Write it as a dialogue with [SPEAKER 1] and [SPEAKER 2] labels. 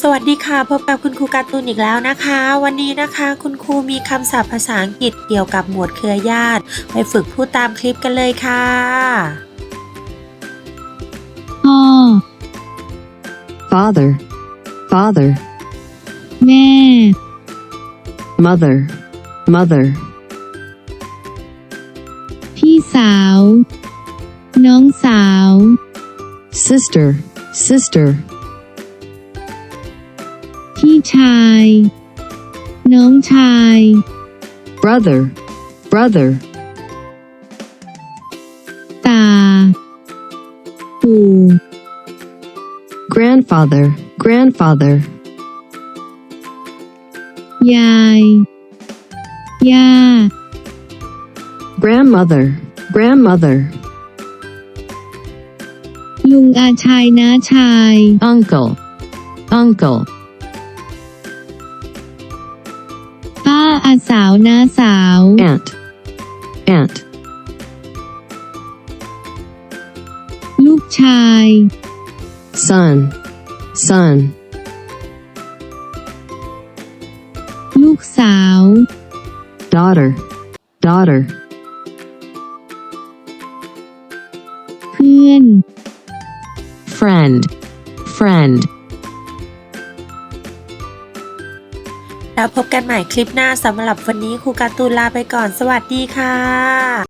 [SPEAKER 1] สวัสดีค่ะพบกับคุณครูการ์ตูนอีกแล้วนะคะวันนี้นะคะคุณครูมีคำศัพท์ภาษาอังกฤษเกี่ยวกับหมวดเครือญาติไปฝึกพูดตามคลิปกันเลยค่ะ
[SPEAKER 2] พ่อ
[SPEAKER 3] father, father,
[SPEAKER 2] แม่
[SPEAKER 3] mother, mother,
[SPEAKER 2] พี่สาว น้องสาว
[SPEAKER 3] sister, sister,
[SPEAKER 2] พี่ชาย น้องชาย
[SPEAKER 3] brother, brother,
[SPEAKER 2] ตา ปู่
[SPEAKER 3] grandfather, grandfather,
[SPEAKER 2] ยาย ย่า
[SPEAKER 3] grandmother, grandmother,
[SPEAKER 2] ลุงอาชายน้าชาย
[SPEAKER 3] uncle, uncle,
[SPEAKER 2] ป้าอาสาวน้าสาว
[SPEAKER 3] aunt, aunt,
[SPEAKER 2] ลูกชาย
[SPEAKER 3] son, son,
[SPEAKER 2] ลูกสาว
[SPEAKER 3] daughter, daughter,
[SPEAKER 2] เพื่อน
[SPEAKER 3] friend, friend.
[SPEAKER 1] แล้วพบกันใหม่คลิปหน้าสำหรับวันนี้ครูการ์ตูนลาไปก่อนสวัสดีค่ะ